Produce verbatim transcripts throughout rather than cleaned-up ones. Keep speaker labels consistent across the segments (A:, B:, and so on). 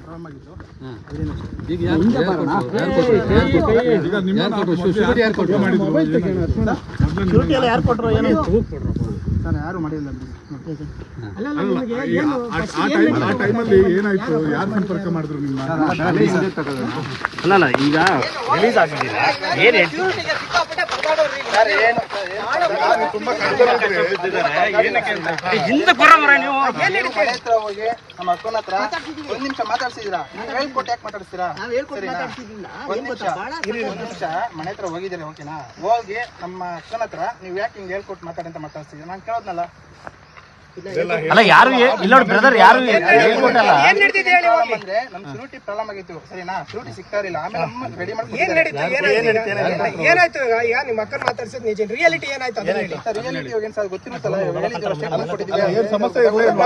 A: Problem ಆಗಿತ್ತು.
B: ಈಗ ಯಾರು
A: ಯಾರು ಕೊಟ್ಟರು ಏನಾಯ್ತು ಸರ್? ಯಾರು ಮಾಡಿಲ್ಲ.
C: ಆ ಟೈಮಲ್ಲಿ ಏನಾಯ್ತು? ಯಾರು ಸಂಪರ್ಕ ಮಾಡಿದ್ರು ನಿಮ್ಮ?
D: ಅಲ್ಲಲ್ಲ ಈಗ ರಿಲೀಸ್ ಆಗಿದ್ದೀರಾ ಏನು ಹಿಂದೆ ಬರೋಮರ ನೀವು
A: ಹೋಗಿ ನಮ್ಮ ಅಕ್ಕನ ಹತ್ರ ಒಂದ್ ನಿಮಿಷ ಮಾತಾಡ್ಸಿದ್ದೀರಾ? ಹೇಳ್ಕೊಟ್ಟು ಯಾಕೆ ಮಾತಾಡ್ತೀರಾ? ಒಂದ್ ನಿಮಿಷ ಒಂದ್ ನಿಮಿಷ ಮನೆ ಹತ್ರ ಹೋಗಿದ್ದೀರಿ, ಓಕೆನಾ? ಹೋಗಿ ನಮ್ಮ ಅಕ್ಕನ ಹತ್ರ ನೀವು ಯಾಕೆ ಹಿಂಗೆ ಹೇಳ್ಕೊಟ್ಟು ಮಾತಾಡಿ ಅಂತ ಮಾತಾಡ್ಸಿದ್ದೀರಾ? ನಾನು ಕೇಳೋದ್ನಲ್ಲ.
D: ಅಲ್ಲ ಯಾರು ಇಲ್ಲ ಬ್ರದರ್ ಯಾರು ಹೇಳ್ಕೊಟ್ಟಲ್ಲ.
A: ಅಂದ್ರೆ ನಮ್ ಶುರುಟಿ ಪ್ರಾಬ್ಲಮ್ ಆಗಿತ್ತು, ಸರಿನಾ? ಶುರುಟಿ ಸಿಗ್ತಾ ಇರಲಿಲ್ಲ. ಆಮೇಲೆ ನಮ್ಮ ರೆಡಿ ಮಾಡಿ
E: ಏನಾಯ್ತು? ಈಗ ನಿಮ್ಮ ಅಕ್ಕನ ಮಾತಾಡ್ಸಿದ್ ನಿಜ, ರಿಯಾಲಿಟಿ ಏನಾಯ್ತು?
A: ರಿಯಾಲಿಟಿ ಏನ್ ಸರ್ ಗೊತ್ತಿರುತ್ತಲ್ಲ,
C: ಸಮಸ್ಯೆ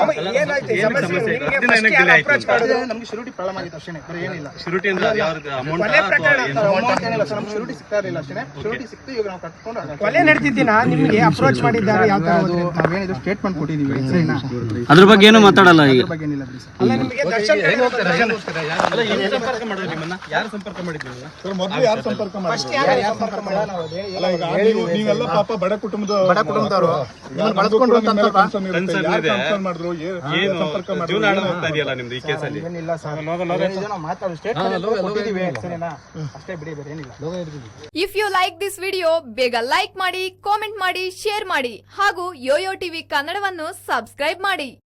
A: ನಮ್ಗೆ ಶುರುಟಿ ಪ್ರಾಬ್ಲಮ್ ಆಗಿತ್ತು ಅಷ್ಟೇ, ಬೇರೆ ಏನಿಲ್ಲ.
D: ಶುರುಟಿ ಅಂದ್ರೆ
A: ಅಮೌಂಟ್ ಏನಿಲ್ಲ ಸರ್, ನಮ್ಗೆ ಶುರುಟಿ ಸಿಗ್ತಾ ಇರಲಿಲ್ಲ ಅಷ್ಟೇ. ಶುರುಟಿ ಸಿಕ್ತು, ಈಗ ನಾವು ಕಟ್ಕೊಂಡು
E: ಕೊಲೆ ನಡೆದಿದ್ದೀನ ನಿಮ್ಗೆ ಅಪ್ರೋಚ್ ಮಾಡಿದ್ದಾರೆ. ಯಾವ ತರ
A: ನಾವೇನಿದ್ರು ಸ್ಟೇಟ್ಮೆಂಟ್ ಕೊಟ್ಟಿದ್ದೀವಿ, ಸರಿನಾ?
D: ಅದ್ರ ಬಗ್ಗೆ ಏನು ಮಾತಾಡಲ್ಲ ಈಗ.
A: ಬಗ್ಗೆ ಏನಿಲ್ಲ ಬಿಡಿ ಸರ್.
E: ಅಲ್ಲ ನಿಮಗೆ ದರ್ಶನ್
D: ಸಂಪರ್ಕ ಮಾಡಿದ್ರು ನಿಮ್ಮನ್ನ? ಯಾರು ಸಂಪರ್ಕ ಮಾಡಿದ್ರು?
C: ಮೊದಲು ಯಾರು ಸಂಪರ್ಕ ಮಾಡಿದ್ರು?
A: ಸಂಪರ್ಕ ಮಾಡಿಲ್ಲ ನಾವು.
C: ಅಲ್ಲ ಈಗ ನೀವು ನೀವೆಲ್ಲ ಪಾಪ ಬಡ ಕುಟುಂಬದ
A: ಬಡ ಕುಟುಂಬದವರು ಬಳಸ್ಕೊಂಡು ಅಂತ
C: ಮಾಡಿದ್ರು.
D: ಏನು ಜೀವನ ಹೋಗ್ತಾ ಇದೆಯಲ್ಲ ನಿಮ್ದು ಈ ಕೇಸಲ್ಲಿ?
A: ಏನಿಲ್ಲ ಸರ್, ನಾವು ಮಾತಾಡೋ ಸ್ಟೇಟ್ಮೆಂಟ್ ಕೊಟ್ಟಿದ್ದೀವಿ, ಸರಿನಾ? ಅಷ್ಟೇ ಬಿಡಿ, ಬೇರೆ ಏನಿಲ್ಲ.
F: If you like this video ಬೇಗ ಲೈಕ್ ಮಾಡಿ, ಕಾಮೆಂಟ್ ಮಾಡಿ, ಶೇರ್ ಮಾಡಿ ಹಾಗೂ ಯೋಯೋ ಟಿವಿ ಕನ್ನಡವನ್ನು ಸಬ್ಸ್ಕ್ರೈಬ್ ಮಾಡಿ.